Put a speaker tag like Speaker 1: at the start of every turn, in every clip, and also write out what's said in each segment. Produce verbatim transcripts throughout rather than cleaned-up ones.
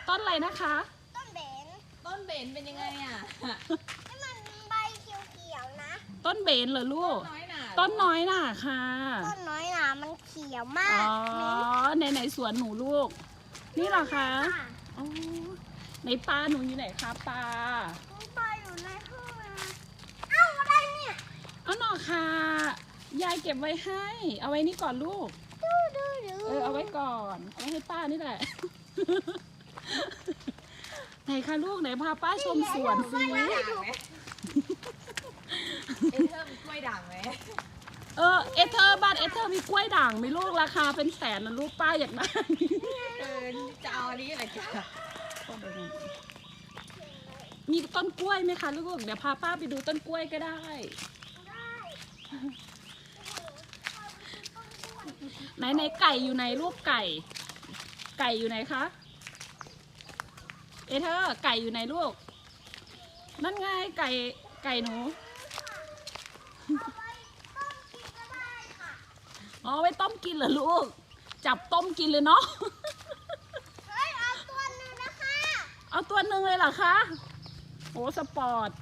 Speaker 1: ต้นอะไรนะคะ
Speaker 2: ต้นเบน
Speaker 3: ต้นเบนเป็นยังไงอ่ะ
Speaker 2: นี่มันใบเขียวๆนะ
Speaker 1: ต้นเบนเหรอลูก
Speaker 3: น้อยหนา
Speaker 1: ต้นน้อยน่ะค่ะ
Speaker 2: ต้นน้อยหนามันเขียวมา
Speaker 1: อ๋
Speaker 2: ก
Speaker 1: อในไหนสวนหนูลูก นี่เหรอคะอ๋อในปลาหนูอยู่ไหนคะปลา
Speaker 2: ปลาอยู่ในห้องนะเอ้าอะไรเนี่ย
Speaker 1: เอาหน่อค่ะยายเก็บไว้ให้ เอาไว้นี่ก่อนลูก
Speaker 2: ดูดูดู
Speaker 1: เออเอาไว้ก่อน เอาไว้ให้ป้านี่แหละ ไหนคะลูกไหนพาป้าชมสวนสิ
Speaker 3: ด่างไหมเอเธอร์มีกล้วยด่างไหม
Speaker 1: เออเอเธอร์บ้านเอเธอร์มีกล้วยด่างไหมลูกราคาเป็นแสนนะลูกป้าอยากได้
Speaker 3: เออจะเอาอันนี้อะไรจ้ะ
Speaker 1: มีต้นกล้วยไหมคะลูกเดี๋ยวพาป้าไปดูต้นกล้วยก็ได้ ไหนไหนไก่อยู่ไหนลูกไก่ ไก่อยู่ไหนคะเอเธอร์ไก่อยู่ไหนลูกนั่นไงไก่ไก่หนูอ๋อไว้ต้มกินเหรอลูกจับต้มกินเลยเนาะ
Speaker 2: เฮ้ยเอาตัวหนึงนะคะ
Speaker 1: เอาตัวหนึ่งเลยเหรอคะโอ้สปอร์ต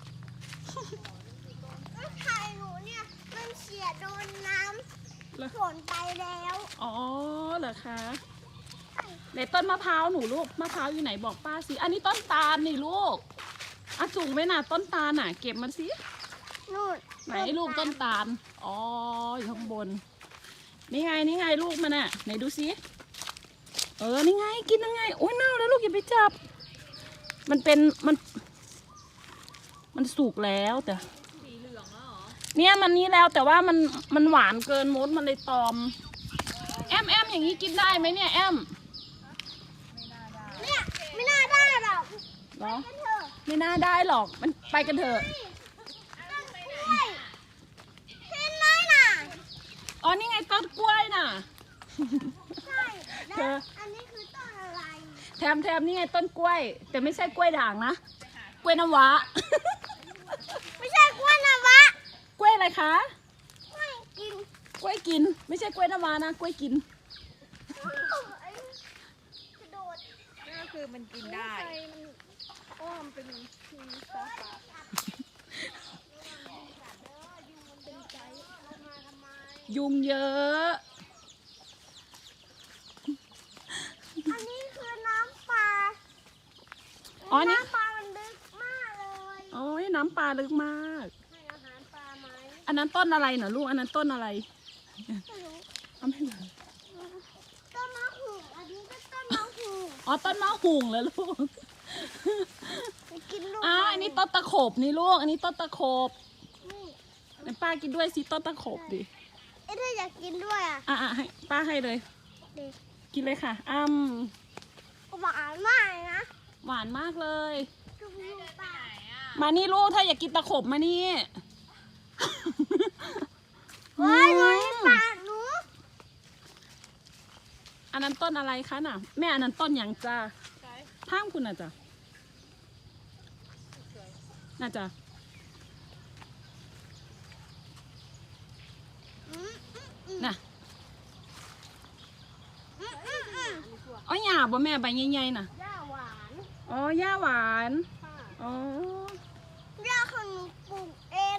Speaker 2: แล้วไข่หนูเนี่ยมันเสียโดนน้ำฝนไปแล้ว
Speaker 1: อ๋อเหรอคะไหนต้นมะพร้าวหนูลูกมะพร้าวอยู่ไหนบอกป้าสิอันนี้ต้นตาลนี่ลูกอ่ะสูงไหมน่ะต้นตาลน่ะเก็บมันสิ
Speaker 2: นู่น
Speaker 1: ไหนลูกต้นตาลอ๋ออยู่ข้างบนนี่ไงนี่ไงลูกมันน่ะไหนดูสิเออนี่ไงกินยังไงโอ้ยเน่าแล้วลูกอย่าไปจับมันเป็นมันมันสุกแล้วแต่
Speaker 3: สีเหลืองแล้วเหรอ
Speaker 1: เนี่ยมันนี้แล้วแต่ว่ามันมันหวานเกินมดมันเลยตอมแอมแอมอย่างนี้กินได้ไหมเนี่ยแอม
Speaker 2: เนี่ยไม่น่าได้หรอก
Speaker 1: เหรอ
Speaker 2: กันเถอะ
Speaker 1: ไม่น่าได้หรอกมันไปกันเถอะ
Speaker 2: ต้นกล้วยเห็นไหมน่ะ
Speaker 1: อ๋อนี่ไงต้นกล้วยน่ะ
Speaker 2: ใช่
Speaker 1: เธ
Speaker 2: แล้ว
Speaker 1: อ
Speaker 2: อันนี้คือต้นอะไร
Speaker 1: แถมแถมนี่ไงต้นกล้วย แต่ไม่ใช่กล้วยด่างนะกล้วยน้ำว้า
Speaker 2: ไม่ใช่กล้วยนะวะ
Speaker 1: กล้วยอะไรคะ
Speaker 2: กล้วยกิน
Speaker 1: กล้วยกิน ไม่ใช่กล้วยน้ำว้านะกล้วยกิน
Speaker 2: กระโดด
Speaker 3: ก็คือมันกินได้
Speaker 2: อ้อมเป็นทีฟ้าฟ้า
Speaker 1: ยุงเยอะ
Speaker 2: อันนี้คือน้ำปลา
Speaker 1: อ๋อนี่
Speaker 2: น้ำปลามันลึกมากเลย
Speaker 1: โอ้ยน้ำปลาลึกมาก
Speaker 2: ให้อาหารปลาไหม
Speaker 1: อันนั้นต้นอะไรเหรอลูกอันนั้นต้นอะไร
Speaker 2: ไม่รู้
Speaker 1: เอาไม่รู้
Speaker 2: ต้นมะหูอันนี้ก็ต้นมะหู
Speaker 1: อ๋อต้นมะหุงเหรอลูก
Speaker 2: ไปกินลูก
Speaker 1: อ้าวอันนี้ต้นตะขบนี่ลูกอันนี้ต้นตะขบ
Speaker 2: นี่
Speaker 1: ไหนป้ากินด้วยสิต้นตะขบดิ
Speaker 2: เอ๊ะถ้าอยากกินด้วยอ่ะ
Speaker 1: อ่ะอ่ะให้ป้าให้เลย
Speaker 2: เด็ก
Speaker 1: กินเลยค่ะอ้ำ
Speaker 2: หวานมากนะ
Speaker 1: หวานมากเลย
Speaker 2: ดูลูกปลา
Speaker 1: มานี่ลูกถ้าอยากกินตะขบมานี่
Speaker 2: เฮ้ยน้อยปลาหนู
Speaker 1: อันนั้นต้นอะไรคะน่ะแม่อันนั้นต้นหยังจ้าท่ามคุณน่ะจ้ะน่าจะ
Speaker 2: อืมอืมอืม
Speaker 1: น่ะ
Speaker 2: อืมอืมอืม
Speaker 1: อ๋อหยาบบ่แม่ใบใหญ่ๆน่ะ
Speaker 2: ย่าหวาน
Speaker 1: อ๋อย่าหวาน
Speaker 2: ค่ะ
Speaker 1: อ๋อ